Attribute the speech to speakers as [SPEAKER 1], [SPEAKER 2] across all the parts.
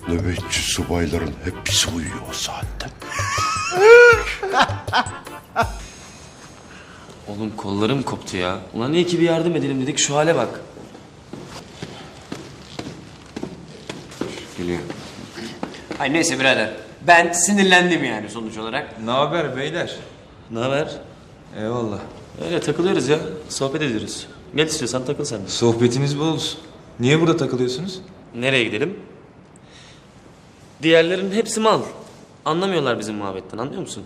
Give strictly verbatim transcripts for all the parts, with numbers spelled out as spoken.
[SPEAKER 1] Nöbetçi subayların hepsi uyuyor o saatte.
[SPEAKER 2] Oğlum kollarım koptu ya. Ulan iyi ki bir yardım edelim dedik, şu hale bak.
[SPEAKER 3] Geliyor. Ay neyse birader. Ben sinirlendim yani sonuç olarak.
[SPEAKER 4] Ne haber beyler?
[SPEAKER 2] Ne haber?
[SPEAKER 4] Eyvallah.
[SPEAKER 2] Öyle takılıyoruz ya, sohbet ediyoruz. Gel istiyorsan takıl sen de.
[SPEAKER 4] Sohbetiniz bol olsun. Niye burada takılıyorsunuz?
[SPEAKER 2] Nereye gidelim? Diğerlerin hepsi mal. Anlamıyorlar bizim muhabbetten, anlıyor musun?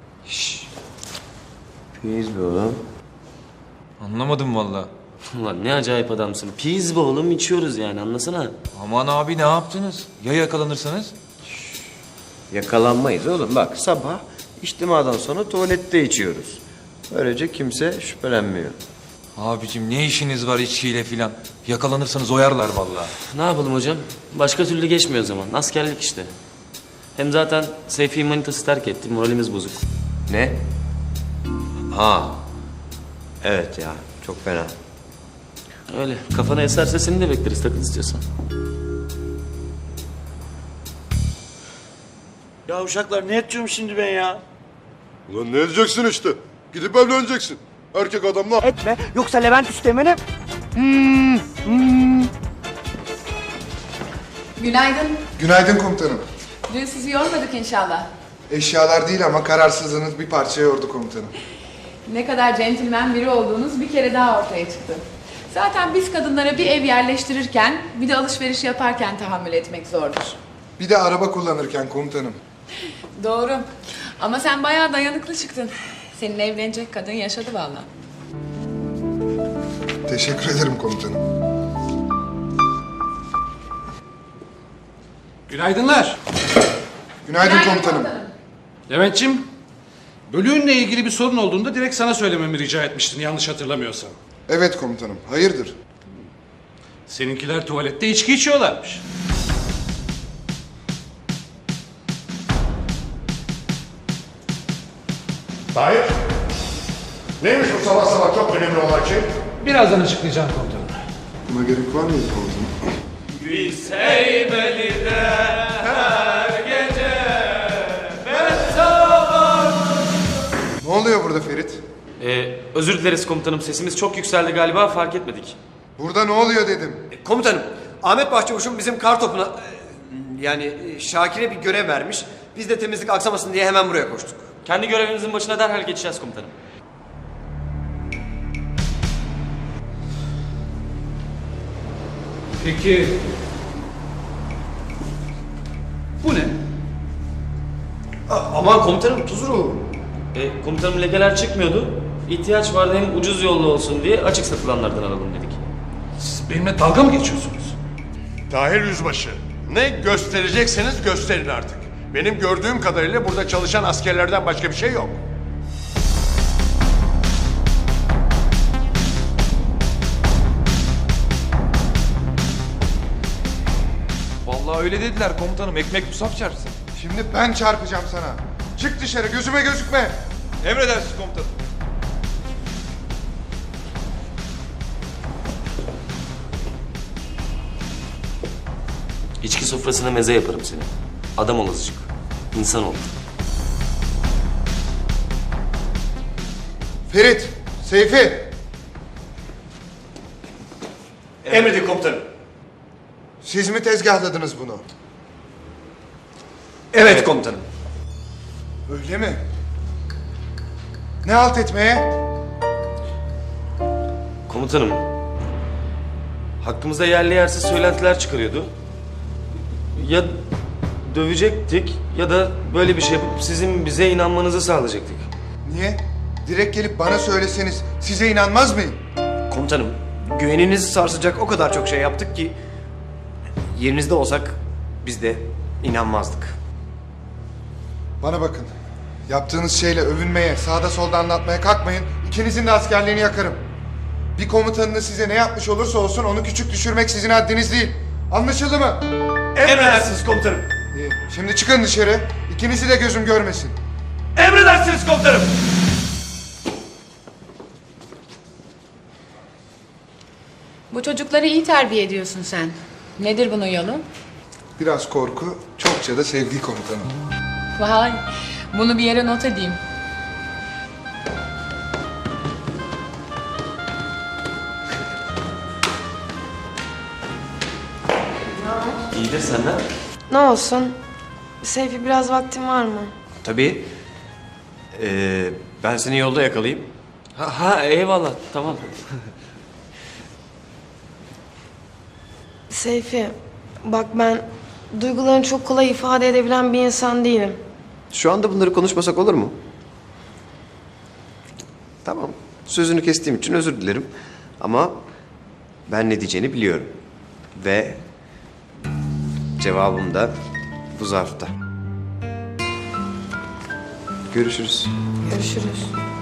[SPEAKER 3] Piyiz be oğlum.
[SPEAKER 4] Anlamadım valla.
[SPEAKER 2] Ulan ne acayip adamsın. Piz be oğlum, içiyoruz yani, anlasana.
[SPEAKER 4] Aman abi ne yaptınız? Ya yakalanırsanız?
[SPEAKER 3] Yakalanmayız oğlum. Bak sabah içtimadan sonra tuvalette içiyoruz. Böylece kimse şüphelenmiyor.
[SPEAKER 4] Abicim ne işiniz var içkiyle filan? Yakalanırsanız oyarlar valla.
[SPEAKER 2] Ne yapalım hocam? Başka türlü geçmiyor o zaman. Askerlik işte. Hem zaten Seyfi manitası terk etti. Moralimiz bozuk.
[SPEAKER 3] Ne? Ha. Evet ya. Çok fena.
[SPEAKER 2] Öyle. Kafana eserse seni de bekleriz, takıl istiyorsan.
[SPEAKER 5] Ya uşaklar ne edeceğim şimdi ben ya?
[SPEAKER 1] Ulan ne edeceksin işte? Gidip evleneceksin. Erkek adamla...
[SPEAKER 5] Etme yoksa Levent Üsteğmen'e...
[SPEAKER 6] Günaydın.
[SPEAKER 7] Günaydın komutanım.
[SPEAKER 6] Dün sizi yormadık inşallah.
[SPEAKER 7] Eşyalar değil ama kararsızlığınız bir parça yordu komutanım.
[SPEAKER 6] Ne kadar centilmen biri olduğunuz bir kere daha ortaya çıktı. Zaten biz kadınlara bir ev yerleştirirken, bir de alışveriş yaparken tahammül etmek zordur.
[SPEAKER 7] Bir de araba kullanırken komutanım.
[SPEAKER 6] Doğru. Ama sen bayağı dayanıklı çıktın. Senin evlenecek kadın yaşadı vallahi.
[SPEAKER 7] Teşekkür ederim komutanım.
[SPEAKER 8] Günaydınlar.
[SPEAKER 7] Günaydın komutanım.
[SPEAKER 8] Levent'ciğim, bölüğünle ilgili bir sorun olduğunda direkt sana söylememi rica etmiştin yanlış hatırlamıyorsam.
[SPEAKER 7] Evet komutanım. Hayırdır?
[SPEAKER 8] Seninkiler tuvalette içki içiyorlarmış.
[SPEAKER 1] Tahir. Neymiş bu sabah sabah çok önemli olan şey?
[SPEAKER 8] Birazdan açıklayacağım komutanım.
[SPEAKER 7] Buna gerek var mıydı komutanım?
[SPEAKER 2] Biz Heybeli'de her gece beraber...
[SPEAKER 7] Ne oluyor burada Ferit?
[SPEAKER 2] Ee, özür dileriz komutanım, sesimiz çok yükseldi galiba, fark etmedik.
[SPEAKER 7] Burada ne oluyor dedim.
[SPEAKER 3] Komutanım, Ahmet Başçavuş'un bizim kar topuna... e, Yani e, Şakir'e bir görev vermiş. Biz de temizlik aksamasın diye hemen buraya koştuk.
[SPEAKER 2] Kendi görevimizin başına derhal geçeceğiz komutanım.
[SPEAKER 8] Peki... Bu ne?
[SPEAKER 3] Aman komutanım tuzuru.
[SPEAKER 2] Ee, komutanım lekeler çıkmıyordu. İhtiyaç vardı, hem ucuz yollu olsun diye açık satılanlardan alalım dedik.
[SPEAKER 8] Siz benimle dalga mı geçiyorsunuz?
[SPEAKER 1] Tahir Yüzbaşı. Ne gösterecekseniz gösterin artık. Benim gördüğüm kadarıyla burada çalışan askerlerden başka bir şey yok.
[SPEAKER 4] Vallahi öyle dediler komutanım. Ekmek musaf çarpsın.
[SPEAKER 7] Şimdi ben çarpacağım sana. Çık dışarı gözüme gözükme.
[SPEAKER 4] Emredersiniz komutanım.
[SPEAKER 2] İçki sofrasına meze yaparım seni. Adam ol azıcık. İnsan ol.
[SPEAKER 7] Ferit, Seyfi.
[SPEAKER 3] Emredin komutanım.
[SPEAKER 7] Siz mi tezgahladınız bunu?
[SPEAKER 3] Evet komutanım.
[SPEAKER 7] Öyle mi? Ne halt etmeye?
[SPEAKER 2] Komutanım, hakkımızda yerli yersiz söylentiler çıkarıyordu. Ya dövecektik ya da böyle bir şey yapıp sizin bize inanmanızı sağlayacaktık.
[SPEAKER 7] Niye? Direkt gelip bana söyleseniz size inanmaz mıyım?
[SPEAKER 3] Komutanım, güveninizi sarsacak o kadar çok şey yaptık ki... ...yerinizde olsak biz de inanmazdık.
[SPEAKER 7] Bana bakın. Yaptığınız şeyle övünmeye, sağda solda anlatmaya kalkmayın. İkinizin de askerliğini yakarım. Bir komutanınız size ne yapmış olursa olsun onu küçük düşürmek sizin haddiniz değil. Anlaşıldı mı?
[SPEAKER 3] Emredersiniz komutanım.
[SPEAKER 7] İyi. Şimdi çıkın dışarı. İkinizi de gözüm görmesin.
[SPEAKER 3] Emredersiniz komutanım.
[SPEAKER 6] Bu çocukları iyi terbiye ediyorsun sen. Nedir bunun yolu?
[SPEAKER 7] biraz korku, çokça da sevgi komutanım.
[SPEAKER 6] Vay, bunu bir yere not edeyim.
[SPEAKER 3] İyidir senden.
[SPEAKER 9] Ne olsun? Seyfi biraz vaktin var mı?
[SPEAKER 3] Tabii. Ee, ben seni yolda yakalayayım.
[SPEAKER 2] Ha, ha eyvallah tamam.
[SPEAKER 9] Seyfi, bak ben duygularını çok kolay ifade edebilen bir insan değilim.
[SPEAKER 3] Şu anda bunları konuşmasak olur mu? Tamam. Sözünü kestiğim için özür dilerim. Ama ben ne diyeceğini biliyorum. Ve cevabım da bu zarfta. Görüşürüz.
[SPEAKER 9] Görüşürüz.